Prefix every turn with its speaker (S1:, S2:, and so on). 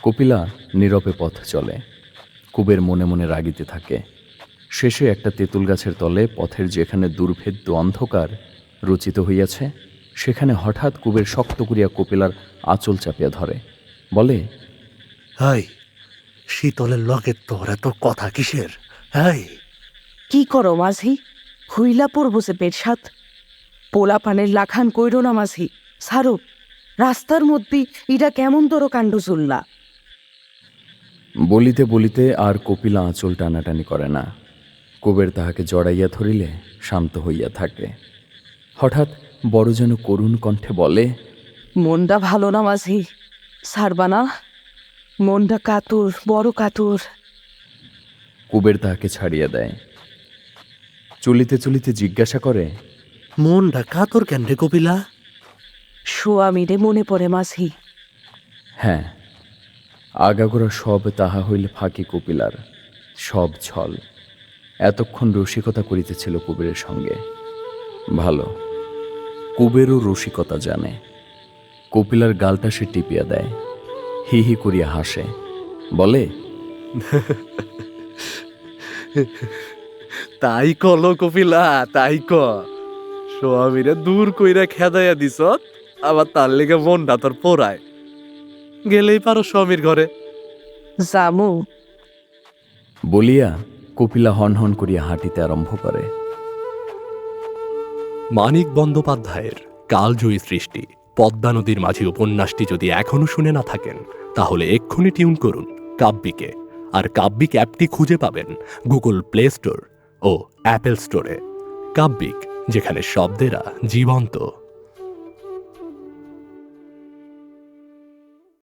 S1: কপিলা নীরবে পথ চলে। কুবের মনে মনে রাগিতে থাকে। শেষে একটা তেঁতুল গাছের তলে পথের যেখানে দুর্ভেদ্য অন্ধকার রচিত হইয়াছে, সেখানে হঠাৎ কুবের শক্ত করিয়া কপিলার আঁচল চাপিয়া ধরে, বলে,
S2: হাই, শীতলের লগের তোর এত কথা কিসের? হাই,
S3: কি করো মাঝি? হুইলা পড়বো সে পেট সাত। পোলা পানের লাখান কইরো না মাঝি, সারো। রাস্তার মধ্যে ইটা কেমন তোর কাণ্ড চুল্লা।
S1: বলিতে বলিতে আর কপিলা আঁচল টানাটানি করে না। কুবের তাহাকে জড়াইয়া ধরিলে শান্ত হইয়া থাকে। হঠাৎ বড় যেন করুণ কণ্ঠে বলে,
S3: মনটা ভালো না মাঝি, সারবা না? মনটা কাতুর, বড় কাতুর।
S1: কুবের তাহাকে ছাড়িয়া দেয়। চলিতে চলিতে জিজ্ঞাসা করে,
S2: মনটা কাতর কেন রে কপিলা?
S3: সোয়ামীরে মনে পড়ে মাঝি।
S1: হ্যাঁ, আগাগোড়া সব তাহা হইলে ফাঁকি কপিলার, সব ছল। এতক্ষণ রসিকতা করিতেছিল কুবেরের সঙ্গে। ভালো, কুবেরও রসিকতা জানে। কপিলার গালটা সে টিপিয়া দেয়, হি হি করিয়া হাসে, বলে,
S2: তাই কলো কপিলা, তাই ক। স্বামীরে দূর কইরা খেদাইয়া দিস, আবার তার লেগে মনটা তোর পোড়ায়। গেলেই পারো স্বামীর ঘরে।
S3: জামু।
S1: বলিয়া কপিলা হনহন করিয়া হাঁটিতে আরম্ভ করে।
S4: মানিক বন্দ্যোপাধ্যায়ের কালজয়ী সৃষ্টি পদ্মা নদীর মাঝি উপন্যাসটি যদি এখনো শুনে না থাকেন, তাহলে এক্ষুনি টিউন করুন কাব্যিকে। আর কাব্যিক অ্যাপটি খুঁজে পাবেন গুগল প্লে স্টোর ও অ্যাপেল স্টোরে। কাব্যিক, যেখানে শব্দেরা জীবন্ত।